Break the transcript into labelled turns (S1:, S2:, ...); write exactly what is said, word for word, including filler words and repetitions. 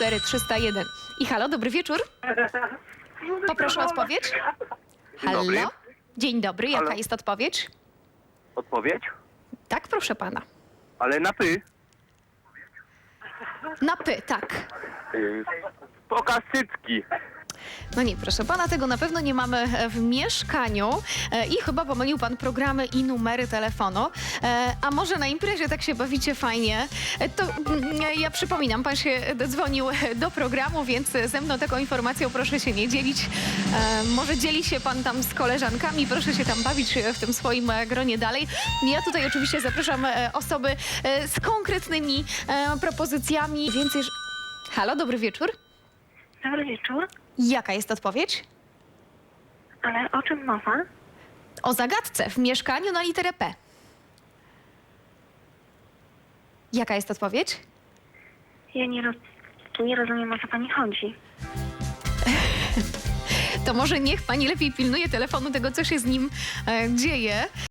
S1: cztery trzysta jeden. I halo, dobry wieczór. Poproszę o odpowiedź. Halo?
S2: dobry.
S1: Dzień dobry, jaka
S2: Halo?
S1: jest odpowiedź?
S2: Odpowiedź?
S1: Tak, proszę pana.
S2: Ale na py.
S1: Na py, tak.
S2: Yy, pokaz cycki.
S1: No nie, proszę pana, tego na pewno nie mamy w mieszkaniu e, i chyba pomylił pan programy i numery telefonu. E, a może na imprezie tak się bawicie fajnie? E, to mm, ja przypominam, pan się dzwonił do programu, więc ze mną taką informacją proszę się nie dzielić. E, może dzieli się pan tam z koleżankami, proszę się tam bawić w tym swoim e, gronie dalej. Ja tutaj oczywiście zapraszam e, osoby e, z konkretnymi e, propozycjami, więc jeż... Halo, dobry wieczór.
S3: Dobry wieczór,
S1: Jaka jest odpowiedź?
S3: ale o czym mowa?
S1: O zagadce w mieszkaniu na literę P. Jaka jest odpowiedź?
S3: Ja nie, roz... nie rozumiem, o co pani chodzi.
S1: To może niech pani lepiej pilnuje telefonu, tego co się z nim e, dzieje.